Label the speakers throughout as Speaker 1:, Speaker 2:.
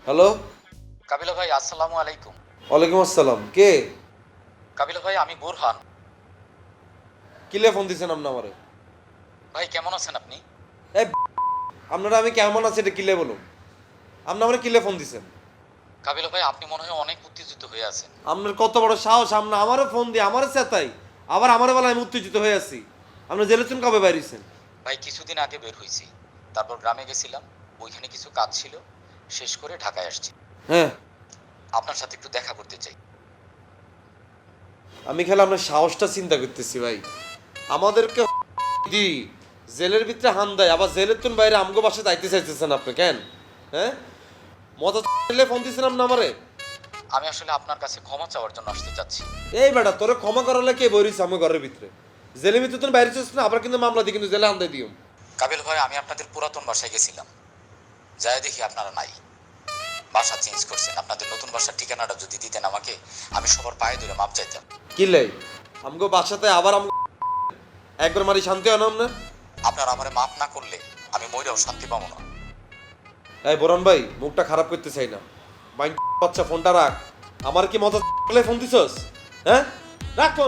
Speaker 1: Hello.
Speaker 2: কাবিলা ভাই আসসালামু আলাইকুম।
Speaker 1: ওয়ালাইকুম আসসালাম। কে?
Speaker 2: কাবিলা ভাই আমি বোরহান।
Speaker 1: কিলে ফোন দিছেন আপনি আমারে?
Speaker 2: ভাই কেমন আছেন আপনি?
Speaker 1: এই আপনারা আমি কেমন আছি এটা কিলে বলুন। আপনি আমারে কিলে ফোন দিছেন?
Speaker 2: কাবিলা ভাই আপনি মনে হয় অনেক উত্তেজিত হয়ে আছেন।
Speaker 1: আপনার কত বড় সাহস, আপনি আমারে ফোন দিয়ে আমারে চেতাই আবার আমারে বলে আমি উত্তেজিত হয়ে আছি। আপনি জেলে চুন কবে বাইরেছেন?
Speaker 2: ভাই কিছুদিন আগে বের হয়েছি, তারপর গ্রামে গেছিলাম, ওইখানে কিছু কাজ ছিল, শেষ করে ঢাকায় আসছি।
Speaker 1: হ্যাঁ,
Speaker 2: আপনার সাথে একটু দেখা করতে চাই।
Speaker 1: আমি খেলে আপনার সাহসটা চিন্তা করতেছি ভাই। আমাদেরকে দি জেলের ভিতরে হান দেয়, আবার জেলের তুন বাইরে আমগো বাসায় যাইতে চাইতেছেন আপনি কেন? হ্যাঁ, মজা ফোন দিয়েছিলাম না আমারে।
Speaker 2: আমি আসলে আপনার কাছে ক্ষমা চাওয়ার জন্য আসতে চাচ্ছি।
Speaker 1: এই বেটা তোরে ক্ষমা করালে কে বইরিস আমার ঘরের ভিতরে? জেলের ভিতরে তুই বাইরে চলছিস না, আবার কিন্তু মামলা দিই কিন্তু জেলে আনতে দিও।
Speaker 2: কাবিল ভাই আমি আপনাদের পুরাতন বাসায় গেছিলাম, যাই দেখি আপনারা নাই, বাসা চেঞ্জ করছেন। আপনাদের নতুন বাসার ঠিকানাটা যদি দিতেন আমাকে, আমি সবার পায়ে ধরে মাপ চাইতাম।
Speaker 1: কি লাই আমগো বাসাতে আবার একবার মারি শান্তি হয় না আপনার?
Speaker 2: আপনার আমারে মাপ না করলে আমি মইরাও শান্তি পাবো না।
Speaker 1: এই বোরান ভাই, মুখটা খারাপ করতে চাই না। বাইন বাচ্চা ফোনটা রাখ। আমার কি মজা ফোন দিছস? হ্যাঁ, রাখ ফোন।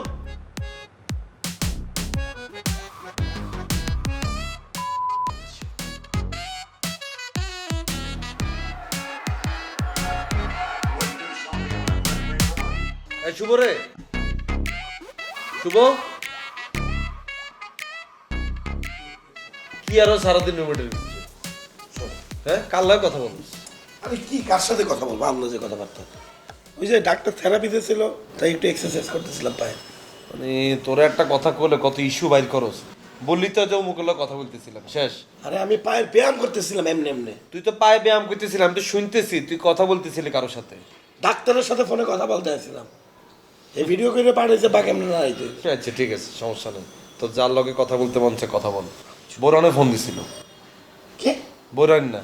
Speaker 1: এই শুভ রে, শুভ কি আরো সারাদিন রুমেটের ভিতরে? হ্যাঁ, কার লাগে কথা বলিস?
Speaker 3: আমি কি কার সাথে কথা বলবো? আমরা যে কথাবার্তা, ওই যে ডাক্তার থেরাপিতে ছিল, তাই একটু এক্সারসাইজ করতেছিলাম পায়ে।
Speaker 1: মানে তোরা একটা কথা কইলে কত ইস্যু বাইর করস। বললি তো যে মুখের কথা বলতেছিলাম শেষ।
Speaker 3: আরে আমি পায়ের ব্যায়াম করতেছিলাম এমনি এমনি।
Speaker 1: তুই তো পায়ে ব্যায়াম করতেছিলাম, আমি তো শুনতেছি তুই কথা বলতেছিলি কারোর সাথে।
Speaker 3: ডাক্তারের সাথে ফোনে কথা বলতে আসছিলাম, এই ভিডিও করে পাঠাইছে বা কেমনে না আইতে।
Speaker 1: আচ্ছা ঠিক আছে, সমস্যা নেই। তো যার লগে কথা বলতে মন চায় কথা বল। বোরানে ফোন দিছিল।
Speaker 3: কে?
Speaker 1: বোরান না,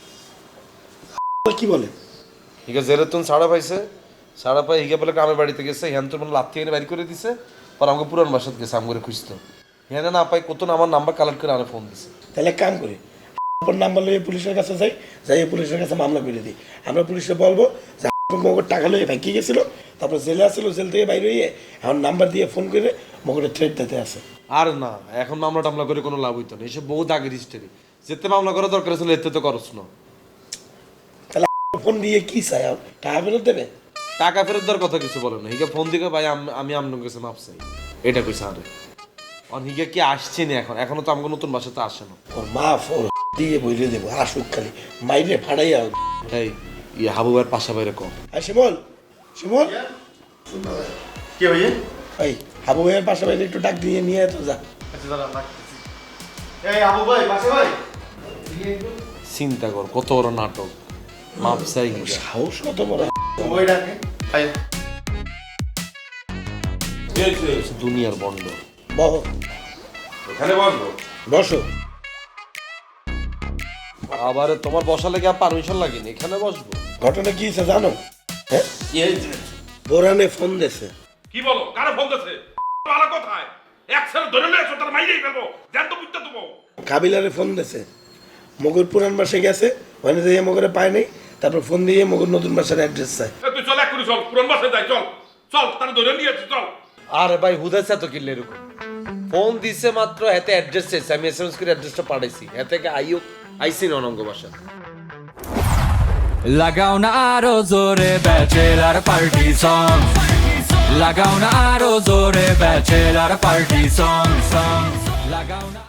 Speaker 3: কি বলে?
Speaker 1: ঠিক আছে, জেরে তুন সাড়া পাইছে, সাড়া পাই হিগে বলে গ্রামের বাড়িতে গেছে, হ্যান তোর মানে লাথি এনে বাইর করে দিছে। পর আমাকে পুরান বাসাত গেছে, আমি করে খুঁজতো। হ্যাঁ না পাই কত আমার নাম্বার কালেক্ট করে আরে ফোন দিছে।
Speaker 3: তাহলে এক কাম করি, নাম্বার লইয়ে পুলিশের কাছে যাই, যাই পুলিশের কাছে মামলা করে দিই। আমরা পুলিশে বলবো যে মগর টাকা লইয়ে ভাঙ্কি গেছিল, তারপর জেলে আসছিল, জেল থেকে বাইরে হইয়ে এখন নাম্বার দিয়ে ফোন করে মগরের থ্রেট দিতে আছে।
Speaker 1: আর না, এখন মামলা টামলা করে কোনো লাভ হইতো না, এসব বহু দাগের হিস্টোরি। যেতে মামলা করা দরকার ছিল, এতে তো করস না।
Speaker 3: তাহলে ফোন দিয়ে কি চাই? টাকা ফেরত দেবে?
Speaker 1: টাকা ফেরত দেওয়ার কথা কিছু বলে না, হিগে ফোন দিকে ভাই আমি আপনার কাছে মাপ চাই, এটা কইছে আরে। আর হিগে কি আসছে না এখন? এখনো তো আমাকে নতুন বাসাতে আসে না।
Speaker 3: ওর মাফ ওর দিয়ে বইলে দেবো, আসুক খালি মাইরে ফাড়াইয়া।
Speaker 1: এই ইয়ে হাবুবার পাশা বাইরে কম।
Speaker 3: আর শিমল, শিমল
Speaker 4: কে ভাইয়া?
Speaker 3: এই হাবু ভাইয়ের পাশে বাইরে একটু ডাক দিয়ে নিয়ে তো যা।
Speaker 4: আচ্ছা দাঁড়া রাখতেছি। এই আবু ভাই পাশে ভাই।
Speaker 1: চিন্তা কর কত বড় নাটক, মাপ চাই হিগে।
Speaker 3: সাহস কত বড়!
Speaker 4: ওই ডাকে ভাই।
Speaker 1: দুনিয়ার বন্ধ।
Speaker 3: বহ,
Speaker 1: এখানে বসবো?
Speaker 3: বসো।
Speaker 1: আবার তোমার বসা লেগে পারমিশন লাগেনি, এখানে বসবো।
Speaker 3: ঘটনা কি হয়েছে জানো? হ্যাঁ, বোরানে ফোন দিয়েছে।
Speaker 5: কি বলো? কারে ফোন দিছে? ভালো কোথায়? এক সেল ধরে নিয়ে এসো, তার মাইরেই ফেলবো। জান তো বুঝতে দেবো।
Speaker 3: কাবিলারে ফোন দিয়েছে, মগর পুরান বাসে গেছে, ওখানে যেয়ে মগরে পায় নাই, তারপর ফোন দিয়ে মগর নতুন বাসার অ্যাড্রেস চায়।
Speaker 5: তুই চল, এক করে চল, পুরান বাসায় যাই, চল চল, তারা ধরে নিয়ে এসো, চল।
Speaker 1: আরে ভাই হুদাইছে তো কিনলে এরকম। ফোন দিছে মাত্র, এতে অ্যাড্রেস চাইছে, আমি এসএমএস করে অ্যাড্রেসটা পাঠাইছি, এতে আইসি না অনঙ্গ বাসা।
Speaker 6: লাগাও না আরো জোরে ব্যাচেলার পার্টি সং, লাগাও না আরো জোরে ব্যাচেলার পার্টি সং, লাগাও না।